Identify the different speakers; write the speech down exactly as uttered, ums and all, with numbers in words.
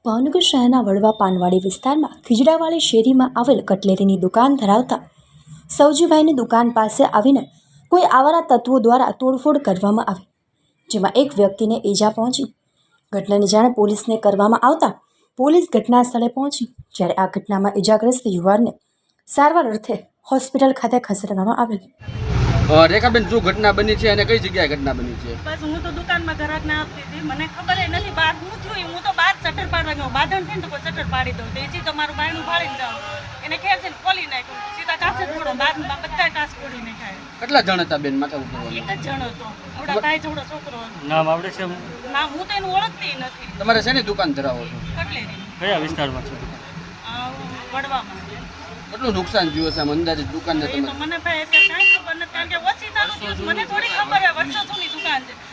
Speaker 1: ભાવનગર શહેરના વડવા પાનવાડી વિસ્તારમાં ખીજડાવાળી શેરીમાં આવેલ કટલેરીની દુકાન ધરાવતા સૌજીભાઈની દુકાન પાસે આવીને કોઈ આવારા તત્વો દ્વારા તોડફોડ કરવામાં આવી, જેમાં એક વ્યક્તિને ઈજા પહોંચી. ઘટનાની જાણ પોલીસને કરવામાં આવતા પોલીસ ઘટના સ્થળે પહોંચી, જ્યારે આ ઘટનામાં ઈજાગ્રસ્ત યુવાનને સારવાર અર્થે હોસ્પિટલ ખાતે ખસેડવામાં આવેલ.
Speaker 2: રેખાબેન, શું ઘટના બની છે અને કઈ જગ્યાએ ઘટના બની છે?
Speaker 3: બસ હું તો દુકાનમાં ગ્રાહકને આપતી હતી, મને ખબર ય નથી બહાર હું થયું. હું તો બહાર શટર પાડવા ગયો, બાંધણ થઈને તો કોઈ શટર પાડી દઉં, તો તો મારું બાયણું ફાડીને જાઉં, એને ખેર છે ખોલી નાખ્યું, સીધા કાચ જ ફોડો, બાદમાં બધા કાચ ફોડી નાખ્યા.
Speaker 2: કેટલા જણ હતા બેન? માથા ઉપર
Speaker 3: એક જ જણ હતો, થોડા ભાઈ જોડો છોકરો હતો.
Speaker 4: નામ આવડે છે?
Speaker 3: ના, હું તો એનું ઓળખતી નથી.
Speaker 2: તમારે શેની દુકાન ધરાવો છો?
Speaker 3: કટલેરી.
Speaker 4: કયા વિસ્તારમાં છે?
Speaker 3: આ વડવામાં.
Speaker 2: કેટલું નુકસાન થયું હશે આમ અંદાજે દુકાનને
Speaker 3: એ તો
Speaker 2: તમે?
Speaker 3: મને ભાઈ અત્યારે કાંઈ ખબર નથી, કારણ કે ઓછી તારું થયું, મને થોડી ખબર હોય વર્ષો જૂની દુકાન છે.